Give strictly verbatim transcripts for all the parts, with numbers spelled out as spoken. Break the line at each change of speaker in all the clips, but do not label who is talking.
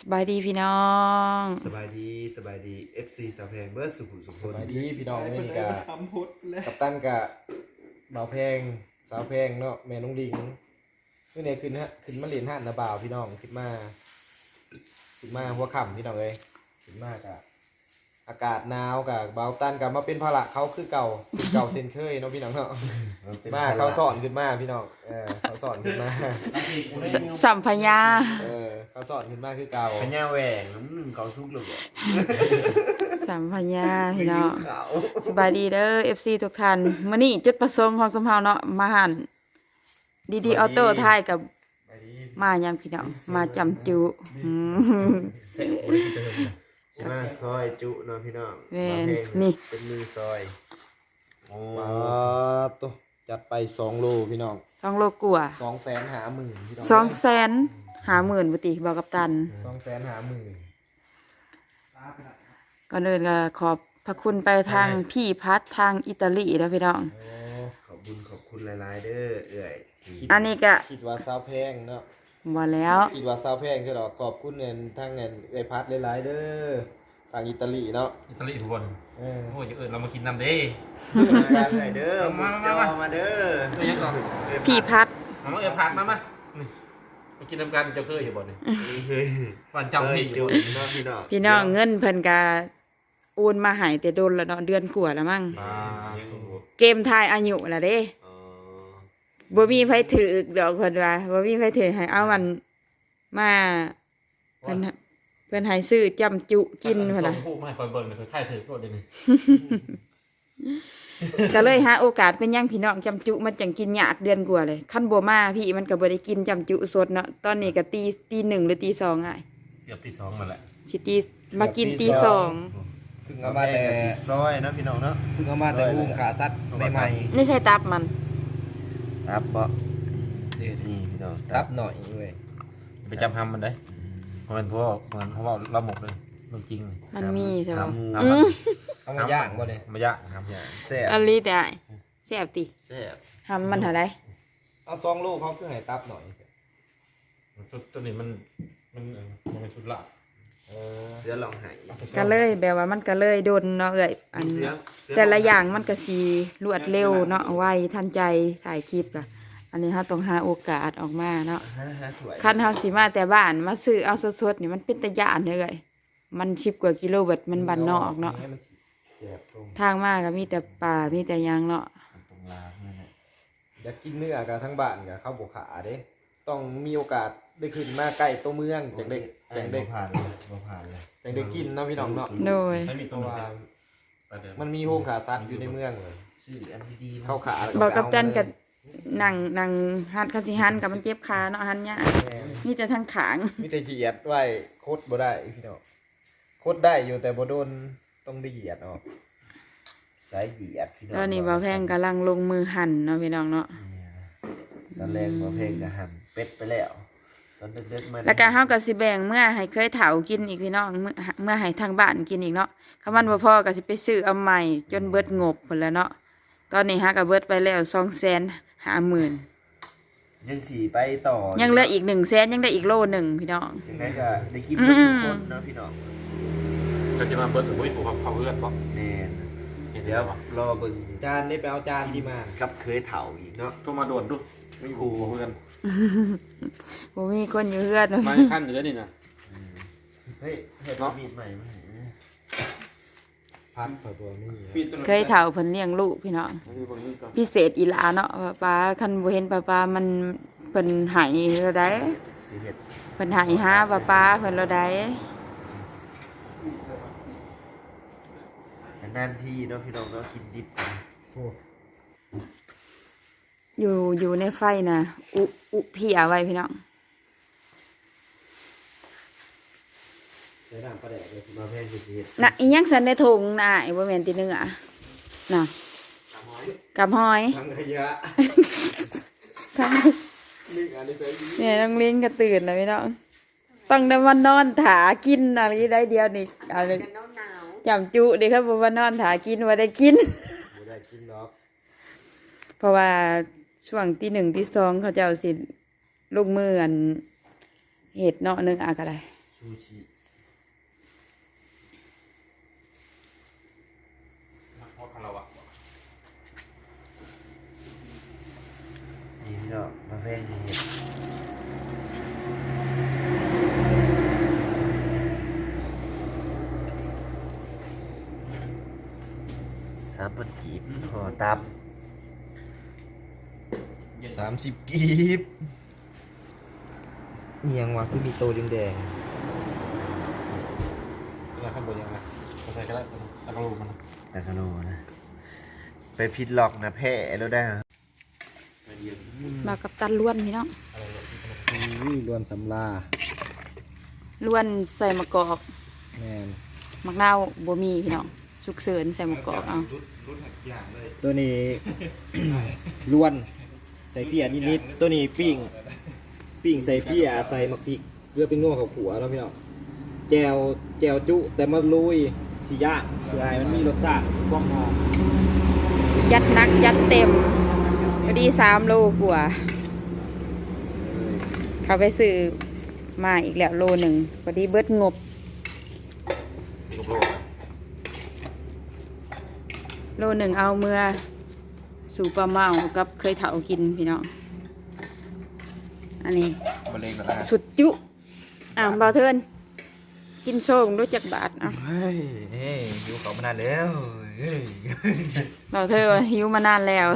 บายดีพี่น้อง
สบายดีสบายดี เอฟ ซี สาวแพงเบิร์ดสุขุมสุข
ส
คน
บายดีพี่น้องนี่กะ
ทำพุทธแล้ว
กับตันกะบ่าวแพงสาวแพงเนาะแม่น้องลิงเมื่อไหร่ขึ้นฮะขึ้นมาเรียนห้านนะบ่าวพี่น้องขึ้นมาขึ้นมาหัวค่ำพี่น้องเลยขึ้นมากะอากาศหนาวกะบ่าวตันกะมาเป็นภาระเขาคือเก่าสิเก่าเซนเคยเนาะพี่น้องเนาะมาเขาสอนขึ้นมาพี่น้องเออเขาสอนขึ้นมา
สสัมพญา
เออเขาสอนขึ้นมาคือเก่า
พญาแหวงน้ำหนึ่งเขาชุกหรือเปล่า
สัมพญาพี่น้อง
เขา
สบายดีเด้อ เอฟ ซี ทุกท่านมื้อนี้จุดประสงค์ของสมเฮาเนาะมาหันดีดีออโต้ทายกับมายังพี่น้องมาจำจุอืม
เสร็จโอ้ยเติม
ใช่ไหมซอยจุเนาะพี่น้อง
แม่น
มาเพลง
นี่
เป็นมือซอยโอ้
มาตัวจัดไปสองโลพี่น้อง
สองโลกว่า
สองแสนหาหมื่นพี่น้อง
สองแสนหาหมื่นบ่ติบอกกับตัน
สองแสนหาหมื่น
ก่อนอื่นก็ขอบพระคุณไปทางพี่พัดทางอิตาลีแล้วพี่น้อง
โอ้
ขอบคุณขอบคุณหลายๆเด้อเอื่อย
อันนี้ก็
คิดว่าซาวแพงเนาะ
บ่แล้ว
คิดว่าซาวแพงใช่หรอขอบคุณเงินทางเงินไอพัดหลายๆเด้อทางอิตาลีเนาะ
อิตาลีทุกคน
เออ
โอ้ยเออเรามากินน้ำเด้
มาเอื่อยเด้อ
มา
มา
มา
มา
มา
มาเด้อ
เอ้ยยังก่อน
พี่พัด
เอามาเออผัดมามานี่มากินน้ำกันเจ้าเคยอยู่บ่เนี่ย
เฮ้ย
วันจำที่อ
จุ
ยู่บ่
เนาะพี่น้อง
พี่น้องเงินเพิ่นก็โอนมาให้แต่โดนแล้วเนาะเดือนกว่าแล้วมั้ง
มา
เกมทายอายุล่ะเด้
อ๋อ
บ่มีไผถือดอกเพิ่นว่าบ่มีไผถือให้เอามันมาเพิ่นเพิ่นให้ซื้อจำจุกิน
เพิ่
เพิ่น
น
น่ะ
ส่งผู้มาให้คอยเบิ่งเลยคอยถ่ายถือโปรดเดี๋ยวนี้
ก็เลยหาโอกาสเป็นหยังพี่น้องจำจุมันจังกินยากเดือนกว่าเลยคันบ่มาพี่มันก็บ่ได้กินจำจุสดเนาะตอนนี้ก็ตีตีหนึ่งหรือตีสองอ่ะ
เกือบที่สองมาแหละ
สิตีมากินตีสอง
เพิ่ง
เอา
เอา
มา
มา
แต่
แต่
ซอยเนาะพี่น้องเนาะ
เพิ่งเอามาแต่หุ้มขาซัดใหม่
นี่ใช่ตับมัน
ตับบ่
ๆเด็ด
นี่พี่น้อง
ตับหน่อยเว้ย
ไปจำทำมันได้เพราะมันเพราะว่ามันเพราะว่าเราหมกเลยเรื่องจริงเลย
มันมีใช่ป่ะ
ขาหมู
เอา
อื
มา
ม
เอามาย่างบ่เนี่ย
มายากนะครับ
แซ่บ
อันนี้แต่แซ่บติ
แซ่บ
ทำมันเท่าไหร่
เอาซองลูกเขาคือให้ตับหน่อย
ชุดตัวนี้มันมันเออมันเป็นชุดละ
เออ
เสือลองไห้
ก็เลยแบบว่ามันก็เลยโดนเนาะเอ้ยอัน
เสือเสื
แต่ละอย่างมันก็สีรวดเร็วเนาะไวทันใจถ่ายคลิปอะอันนี้เราต้องหาโอกาสออกมาเนาะ
ฮะฮะถ้วย
คันเฮาสิมาแต่บ้านมาซื้อเอาสดๆนี่มันเป็นตะยานเลยมันสิบกว่ากิโลเบิดมันบ้านนอกเนาะ
มันเจ็บตรง
ทางมาก็มีแต่ป่ามีแต่หยังเนาะ
ตรงลาเนี่ยนะ
อยากกินเนื้อกับทั้งบ้านกับข้าวบกขาเด้ต้องมีโอกาสได้ขึ้นมาใกล้ตัวเมืองจังได้จังได้
บ่ผ่านเลยบ่ผ่านเลย
จังได้กินเนาะพี่น้องเนาะ
โดย
ไม่มี
เพ
ตัว
ราะ
นึง
ว่า
ไปเดี๋ยว
มันมีโรงขาซัดอยู่ในเมืองเลย
ชื่ออันดีๆ
เข้าขา
บอกกับจันกับนั่งนั่งหันคันสิหันกับมันเจ็บขาเนาะหันยากมีแต่ทางขาง
มีแต่เหยียดไว้โคตรบ่ได้พี่น้องโคตรได้อยู่แต่บ่โดนต้องได้เหยียดออก
สายเหยียดพี่น้อง
ตอนนี้บ่าวแพงกำลังลงมือหั่นเนาะพี่น้องเนาะ
ตอนแรกบ่เพลงก็หั่นเป็ดไปแล้วตอนดึกๆมัน
แล้วก็เฮาก็สิแบ่งเมื่อให้เคยเฒ่ากินอีกพี่น้องเมื่อเมื่อให้ทางบ้านกินอีกเนาะคันมันบ่พอก็สิไปซื้อเอาใหม่จนเบิดงบพุ่นแหล้วเนาะตอนนี้ฮะก็เบิดไปแล้วสองแสนห้าหมื่น
ยังสีไปต่อ
ยังเหลืออีกหนึ่งแสนยังได้อีกโลหนึ่งพี่น้อง
ยังไงก็ได้กิน
อื
ทุ
ม
กคนเนาะพี่น้อง
ก็จะมาเบิร์ดหรือว่าผูกเผาเพื่อนบอก
แน่น
เห็น
เดี๋
แล้
ยว
วบอก
รอเบิ่ง
จานได้ไปเอาจานที่มา
กับเคยเฒ่าอีกเนาะ
โทรมาด่วนดูไม่ขู่เพื่อน
บ่มีคนอยู่เฮือน
มาขั้นอยู่แล้วนี่นะ
เฮ้ยเฮ็ดมีดใหม่มาให้นะ
พัดตัวตัวนี้
เคยเฒ่าเพิ่นเลี้ยงลูกพี่น้องพิเศษอีหลาเนาะว่าป้าคันบ่เห็นป้าป้ามันเพิ่นใหายเราได้
สิเฮ็ด
เพิ่นใหายหาป้าป้าเพิ่นเราได้
นานๆทีเนาะพี่น้องเนาะกินดิบกัน
อยู่อยู่ในไฟน่ะอุอุเพียไว้พี่น้อง
ใช้น้ำปลาแดกเลย
มาแพงสิเฮ็ด
น่ะอีหยังสันในถุงน่ะไอ้บ่แม่นติเนื้อน่ะกับหอย
ทั้งขยะ
ทั้ง
นึ่งอันนี้ใส่ดี
เนี่ยน้องลิงก็ตื่นแล้วพี่น้องต้องได้มานอนถากินอะไรได้เดียวนี่อะไรจำจุดิครับว่านอนถากินว่าได้กิน
บ่ได้กินเนาะ
เพราะว่าช่วงที่หนึ่งที่สองเขาจะเอาสิลูกมืออันเห็ดเนาะหนึงอะก็ได้
ช
ซูชิ
เพราะคาราวะ
นี่พี่น้องมาแพงนี่เห็ดสามพันกีบห่อตับ
สามสิบกีบเนียงว่ะคือมีโตแดง
ยังข้างบนยังไงก็ใส่ก็ได้ตะกรูมัน
ตะกะโลนะ ไปพิดล็อกนะแพ้แล้วได้
มากับตันล้วนพี่น้อง
ๆอุ้ยรวนสำลา
ล้วนใส่มะกอก
แม่น
มะนาวบ่มีพี่น้องสุกเสริญใส่มะกอกเอา
ตัวนี้ รวนใส่เปียนิดๆตัวนี้ปิ้งปิ้งใส่เปียใส่มักพริกเกลือเป็นนัวข้าวขัวแล้วพี่น้องแจวแจวจุแต่มาลุยสิย่างเพื่อให้มันมีรสชาติความหอม
ยัดหนักยัดเต็มพอดีสามโลกว่าเขาไปซื้อมาอีกแล้วโลหนึ่งพอดีเบิดงบ
ลูกโลก
โลหนึ่งเอาเมื่อสู่ปลาเมากับเคยเถากินพี่น้องอันนี้
บะเล็งกันแล้ว
สุดจุอ้าวเบาเทินกินโซ่รู้จักบาทเอ่ะ
เฮ้ยเฮ้ยอยู่เขามานานแล้วเฮ้ย
เบาเทินว่าหิวมานานแล้ว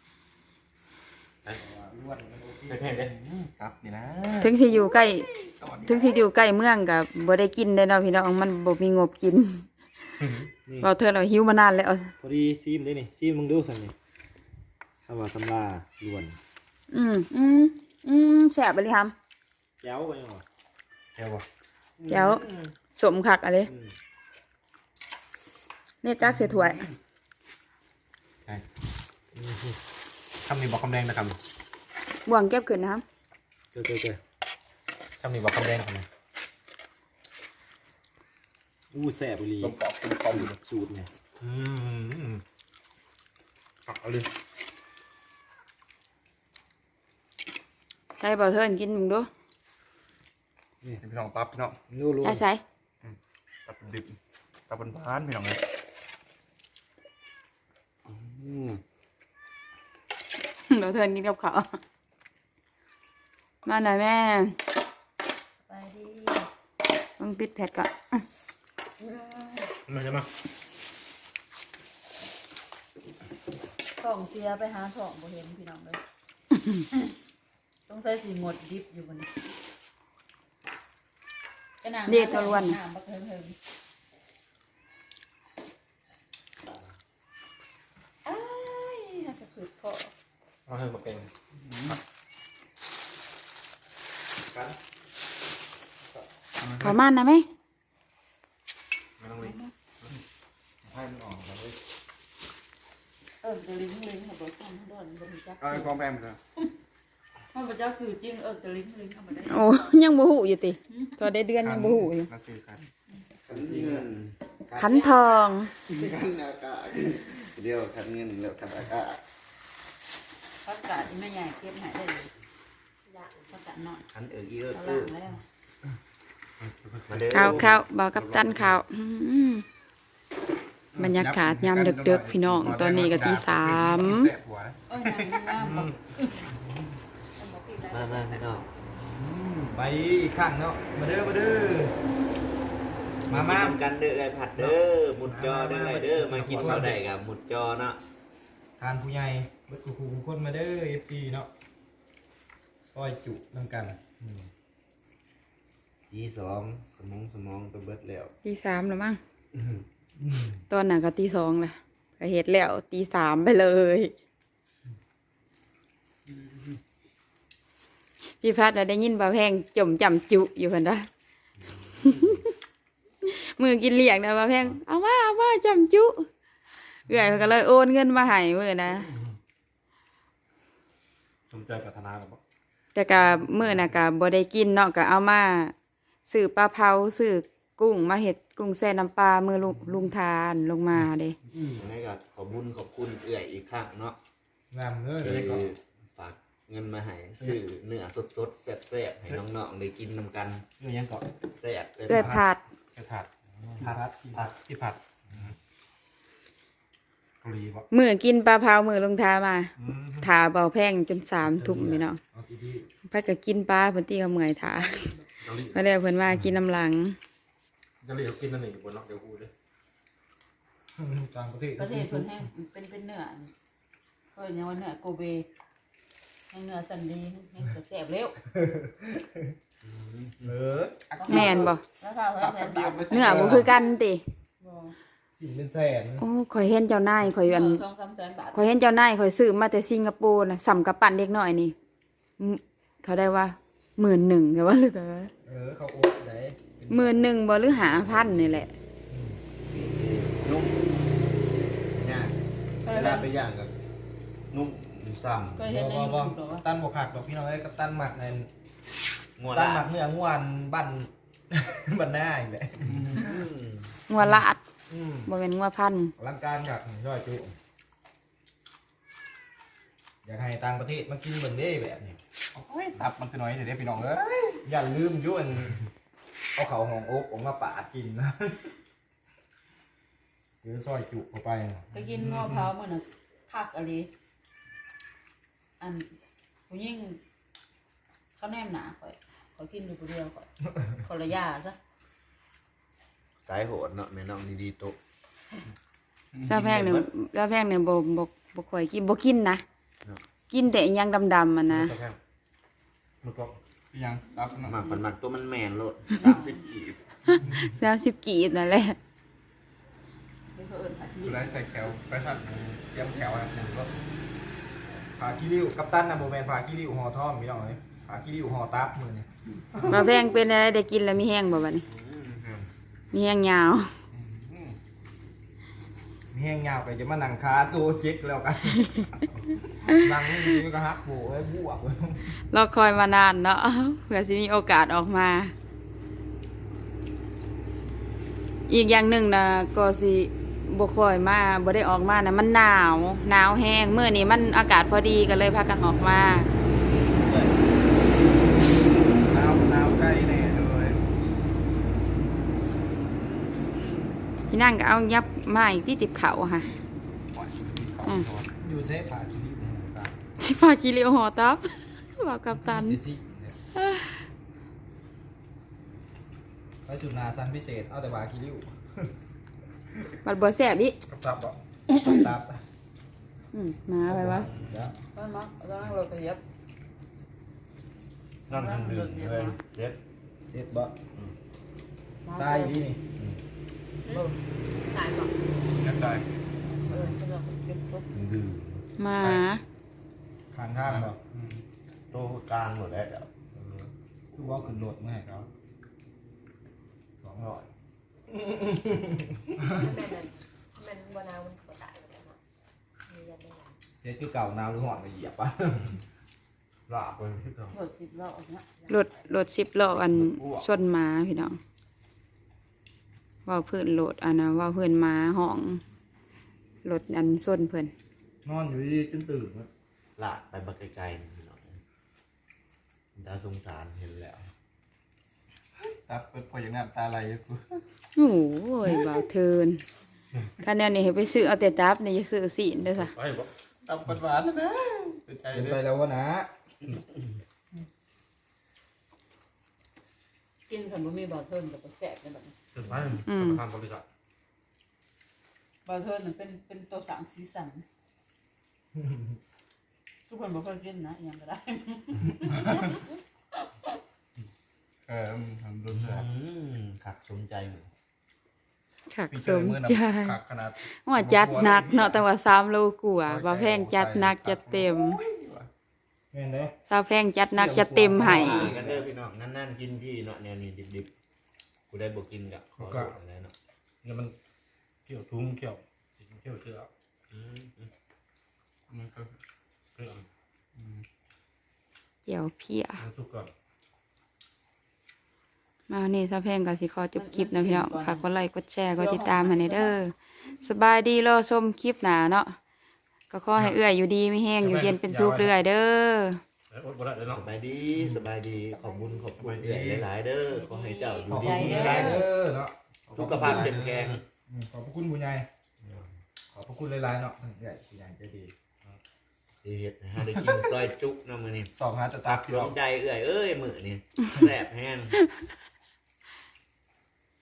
เท่ๆเลยครับนี่นะ
ถึงที่อยู่ใกล้ถึงที่อยู่ใกล้เมืองกับบ่ได้กินได้เนาะพี่น้องมันบ่มีงบกิน
นี่
เบาเทินเราหิวมานานแล้ว
พอดีซีมได้นี่ซีมมึงดูสั่งนี่คำว่าสำลาลวน
อืมอืมอืมแสบไปเลยครับ
แจ้วไปยังวะ
เท่บ่
แจ๋ว สมคักอะไรเนี่ยจักเสียถ้วย
คำนี้บอกคำแดงนะครับ
บ่วงเก็บขึ้นนะครับ
เจ้าเจ้าเจ้า
คำนี้บอกคำแดงครับ
อู้แสบบุรี
ลมปอกลมปอก
สูตรสูตรเนี่ย
อืมเอาเลย
ใช่เบาเทินกินมึงดู
นี่พี่น้องตับพี่น้อง
รู้รู้
ใช่ใช่
ตับดิบตับบนบ้านพี่น้องเลยอืม
เบาเทินกินกับเขาวมาหน่อยแม่
ไปดิ
ต้องปิดแผดก่อน
มาใช่ไหม
ท้องเสียไปหาท้องบ่เห็นพี่น้องเลย ต้องใส่สีหมดดิบอยู่บนนี้กระหน่ำ
เด็ดทะลวน
น้ำบักเทิงเทิงเอ้ยน่าจะขืดพอ
เอาให้มาเป็น
ขอมันนะไหม
ไม่ต้องเลยให้มันออกแล้ว
เออจะลิ้งลิ้งค่ะบ่ต้องโดนบ่มีจัก
เอาไอ้ความแพงไปเลย
มันบ่จักสื่อจริงเออจะลิ้งลิ้งเอามาได้
โอ้ยังบ่หูอยู่ติตัวได้เดือนยังบ่หูอยู่
ก็ซื้อกัน
ขันเงิน
ขันทอง
ขันอากาศเดียวขันเงินแล้วขันอากาศ
พักกาดที่แม่ใหญ่เก็บให้ได้เลยพักกาดน้อย
ขันเอิกอีเอิก
เอา
เอิ
ล่าง
ก
แล้ว
มาเด้อ
ข้าวข้าวเบากับตันข้าวอืมบรรยากาศยามดึกๆพี่น้องตอนนี้ก็ตีสาม
แสบหัว
เอ้ยน้ำน้ำแบบ
มามาพี่น้อง
ไปอีกข้างเนาะมาเด้อมาเด้อมามา
กินกันเด้อไอผัดเด้อหมุดจอเด้อไอเด้อมากินข้าวได้กับหมุดจอเนาะ
ทานผู้ใหญ่เบิดคู่ๆคนมาเด้อ เอฟ ซี เนาะซอยจุนำกันอืม
ทีสองสมองสมองไปเบิดแล้ว
ตีสามแล้วมั้ง
อืม
ตอนนั้นก็ตีสองแหละก็เฮ็ดแล้วตีสามไปเลย พี่พัดน่ะได้ยินบ่าแพงจมจำจุอยู่คนละ มือกินเลี้ยงนะบ่าแพงเอาว่าเอาว่าจำจุเอื่อยเพิ่นก็เลยโอนเงินมาให้มือนะ
สนใจกับธนาหรือเปล่า
แต่ก็มือน่ะก็บ่ได้กินเนาะก็เอามาซื้อปลาเผาซื้อกุ้งมาเฮ็ดกุ้งแซ่น้ำปลามือลุงลุงทานลงมาเด้
ยังไงก็ขอบคุญขอบคุณเอื่อยอีกครั้งเนาะ
งามเลย
ที่ฝากเงินมาให้ซื้อเนื้อสดๆแซ่บๆให้น้องๆได้กินนำกัน
เรื่องยังก่อน
แซ่บ
เอื้อยผัด
กระผัด
ผัดผัด
ที่ผัดเกาหลีบ่
มือกินปลาเผามือลงทามา
อืม
ถาเบาแพงจนสามทุ่มพี่น้อง
เอาที่ดี
ไปก็กินปลาเพิ่นตีเขาเมื่อยถา
เกาหลี
มาแล้วเพิ่นมากินน้ำหลัง
เกาหลีเขากินนั่นเองอยู่บนนอกเดี๋ยวกูเลย
ต่างประเทศ
ประเทศเพิ่นแห้งเป็นเป็นเนื้อเพิ่นยังว่าเนื้อโกเบแห้งเนื้อสันดีแห้งแซ่บเร็ว
เออ
แม่นบ่
แล้วข้าวแห้งแซ่บเดียว
เนื้อบ่คือกันติ
บ่
สิ่งเป็นแสน
โอ้ข่อยเห็นเจ้านายข่อยอัน
สองสามแสนบาท
ข่อยเห็นเจ้านายข่อยซื้อมาแต่สิงคโปร์น่ะสำกับปั่นเด็กน้อยนี่อืมเขาได้ว่าหมื่นหนึ่งเดี๋ยวว่าหรือเปล่า
เออเขาโอ๊ตได้
หมื่นหนึ่งบ่หรือหาพันนี่แหละ
นุ่มย่างเวลาไปย่างกับนุ่มซ้ำ
เคย
บ
เห็นใน
อ
ยู
บอ
ทูบหรอ
กั
วะ
ปตันบวกหักดอกพี่น้องเอ้ยกัปตันหมักใน
งัว
ตั
ลาน
หมั
ด
กเนื้อง่วนบัน บันหน้าอีกแหละ
งัวลาด
อืม
บ่เป็นงัวพันธุ์
ร่างการกับย่อยจุอยากให้ต่างประเทศมากินเบิ่งเด้แบบนี้
โอ้ยตับมันคือน้อยเดี๋ยวได้พี่น้องเอ้ย
อย่าลืมอยุ่อันเอาเขาของโอ๊กออกมาปาดกินนะหรือซอยจุเข้าไป
ไปกินงอเผามื้อน่ะคักอะไรอันผู้หญิงเขาแนมหนาข่อยข่อยกินอยู่ผู้เดียวข่อยขอละยาซะ
สายโหดเนาะแม่น้องดีๆโตะ
เจ้าแพงเนี่ยเจ้าแพงเนี่ยบ่บ่บ่ค่อยกินบ่กินนะกินแต่อิหยังดำๆมันนะ
เจ้าแข้งมันก็ยังตับนะ
หมักปันหมักตัวมันแมนโลดสามสิบกีบ
แล้วสิบกีบนั่นแหละ
ไปเพิ่นอาทิ
ดู
ตย์
แลใส่แขวไปทัดเตรียมแขวนะผมก็
ผาขี้ริ้วกัปตันนะโบแมนผาขี้ริ้วห่อท่อมพี่น้องเลยผาขี้ริ้วห่อตับมือนี่
บ่แพงเป็นอะไรได้กินแล้วมีแห้งบ่บัดนี้มีแห้งยาว
มีแห้งยาวไปจะมานั่งขาตัวเจ๊กแล้วกัน นั่งนี่ก็ฮักโบไอ้บวกเลย
รอคอยมานานเนาะ เพื่อสิมีโอกาสออกมา อีกอย่างหนึ่งนะก็สิบ่ค่อยมาบ่ได้ออกมานะมันหนาวหนาวแห้งมื้อนี้มันอากาศพอดีก็เลยพากันออกมา
น้ำน้ำใกล้แน่เลย
พี่นั่งก็เอายับมาอีกที่ติบเขาค่ะ
ปล่อยมีเขาตัว
อยู่เซฟผาขี้ริ้วห่อตับ
สิพากิเลวหอตับ บอกกับตัน
ดิซิเนี่ยไปสุดนาซันพิเศษเอาแต่ผาขี้ริ้ว
บัดบ่แซ่บอี
กับตับบ่
ตับ
อืมมาไปวะ
เดี๋ยว
ไปมักแล้วเราก็เย็บ
นั่นถึงดื่มเลยเด็ด
เสร็จบ่ได้ดีนี่
เออตายบ่
เรียบได้
เออก็เราเก็บปุ๊บ
ถึงดื่ม
มา
ขางข้างบ่
โตกลางหมดแล้ว
คือว่าขึ้นรถมาให้เขาสองร้อย
แม่นมันบนาวมันก็ตายแล้วเนาะมียันได้หลาย
เสร็จคือเก่านาวหรือหอดไปเหยียบป่ะ
ลาบไปที่เขา
เปิดสิบรอบเนี่ย
รถรถสิบล้ออันชนหมาพี่น้องเว่าเพื่อนรถอันนะเว่าเพื่อนหมาห้องรถอันชนเพื่อน
นอนอยู่ดีๆจนตื่นแล้ว
ลาบไปบักไกลๆนี่หน่อยตาสงสารเห็นแล้ว
ตับเปิดพออย่างน้ำตาไหลอยู่กู
โอ้ยบ่าวเทินถ้าแนวนี้ให้ไปซื้อเอาแต่ตับนี่จะซื้อสีนเด้อค่ะ
ไปบ่ตับหวานๆนะเป็นใจ
เป็น
เล
ไป
ย
แล้ววะนะ
กินขนมมีบาเทิร์นกับแซ่บในแบบนี้
เป็นไปจะมาทำบริษัท
บาเทิร์นเป็นเป็นตัวสั่งสีสันทุกคนบอกว่ากินนะยังก็ได้
เออทำรุนแรง
อืมขักสมใจเหมือน
ขัก
พี่
ส
เจอ
ม
เมื่อ
ใจ
น้ำขักขนาด
ว่าจัดหนักเนาะแต่ว่าสามโลกว่าบ่าวแพงจัดหนักจัดเต็ม
เห็นไหม
สาวแพงจัดหนักจัดเต็มให้
กินกันเด้อพี่น้องนั่นๆกินพี่เนาะแนวนี้ดิบๆกูได้บอกกินกับขอโทษอะไรเนาะ
เนี่ยมันเกี่ยวทุ่งเกี่ยวเกี่ยวเชือก
อืม
มันก็เรื่อง
เดี๋ยวเพีย
มันสุกก่อน
มาวันนี้สาวแพงก็สิขอจบคลิปนะพี่น้องฝากกดไลค์กดแชร์กดติดตามให้ในเด้อสบายดีรอชมคลิปหน้าเนาะก็ขอให้เอื้อยอยู่ดีไม่แห้งอยู่เย็นเป็นสุขเรื่อยเด้อ
บ่ได้เลยเนาะ
สบายดีสบายดีขอบคุณขอบคุณเอื่อยหลายๆเด้อขอให้เจ้าอ
ข
ยู่
อบ
ดี
คุณ
มี
ห
แร
ลาย
ง
ๆเด้อเนาะ
สุขภาพเข้มแข็ง
อืมขอบพระคุณผู้ใหญ่ขอบพระคุณหลายๆเนาะเอื่อยผู้ใหญ่ใจดี
สิเฮ็ดให้หาได้กินซอยจุกนำมื้อนี้
สองหาตะ
ตั
ตั
ก
ก
อยู่ใจเอื่อยเอ้ยมื้อนี้แซ่บแห้ง